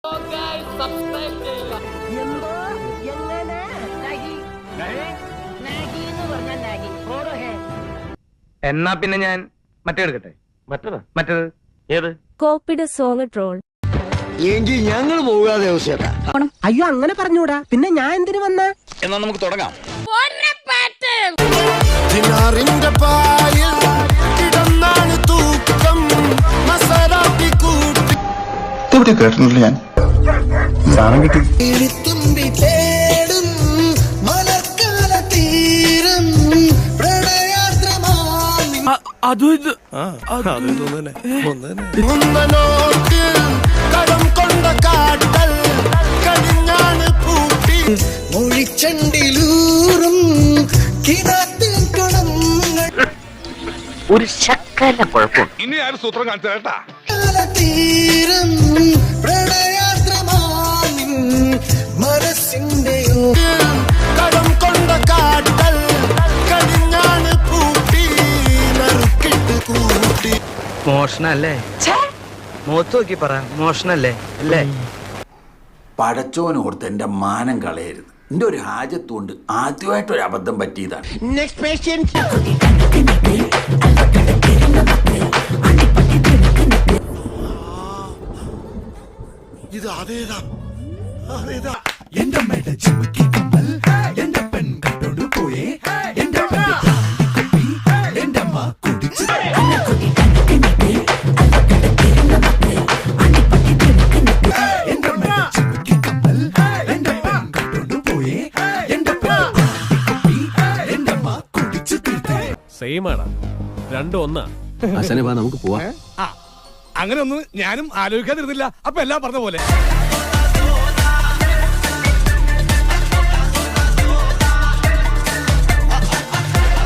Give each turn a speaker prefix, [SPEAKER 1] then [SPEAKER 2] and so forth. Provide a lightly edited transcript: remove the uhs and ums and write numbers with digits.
[SPEAKER 1] എന്തോ എങ്ങനെ
[SPEAKER 2] എന്നാ പിന്നെ ഞാൻ മറ്റേ എടുക്കട്ടെ. മറ്റേത് ഏത്?
[SPEAKER 3] കോപ്പിഡ് സോങ് ട്രോൾ.
[SPEAKER 4] എങ്കിൽ ഞങ്ങൾ പോകാതെ ദിവസേട്ടാ.
[SPEAKER 1] അയ്യോ അങ്ങനെ പറഞ്ഞൂടാ, പിന്നെ ഞാൻ എന്തിനു വന്ന?
[SPEAKER 4] എന്നാ നമുക്ക് തുടങ്ങാം.
[SPEAKER 5] കേട്ടിട്ടില്ല ഞാൻ. സാധനം കിട്ടി.
[SPEAKER 1] ഒരു ശക്കല കുഴപ്പം.
[SPEAKER 6] ഇനി ആരും സൂത്രം കാണിച്ചു കേട്ടാ.
[SPEAKER 2] മോഷണല്ലേ? മുഖത്ത് നോക്കി പറ, മോഷണല്ലേ അല്ലേ?
[SPEAKER 7] പടച്ചോനോർത്ത് എന്റെ മാനം കളയരുത്. എന്റെ ഒരു ഹാജത്തുകൊണ്ട് ആദ്യമായിട്ടൊരു അബദ്ധം പറ്റിയതാണ്.
[SPEAKER 1] Next patient.
[SPEAKER 4] ഇത് അതേതാ
[SPEAKER 8] എന്റെ അമ്മയുടെ ചിമ്മക്കി കമ്മൽ എന്റെ പെൺ കട്ടോണ്ട് പോയേ എന്റെ എന്റെ അമ്മ കുടിച്ച് എന്റെ അമ്മയുടെ ചിമ്മക്കി കമ്മൽ എന്റെ പെൺ കട്ടോണ്ട് പോയേ എന്റെ എന്റെ അമ്മ കുടിച്ച് തീർത്തേ.
[SPEAKER 9] സെയിം ആണ്, രണ്ടും ഒന്നാ.
[SPEAKER 4] നമുക്ക് പോവാം.
[SPEAKER 6] അങ്ങനെ ഒന്നും ഞാനും ആലോചിക്കാതിരുന്നില്ല. അപ്പൊ എല്ലാം പറഞ്ഞ പോലെ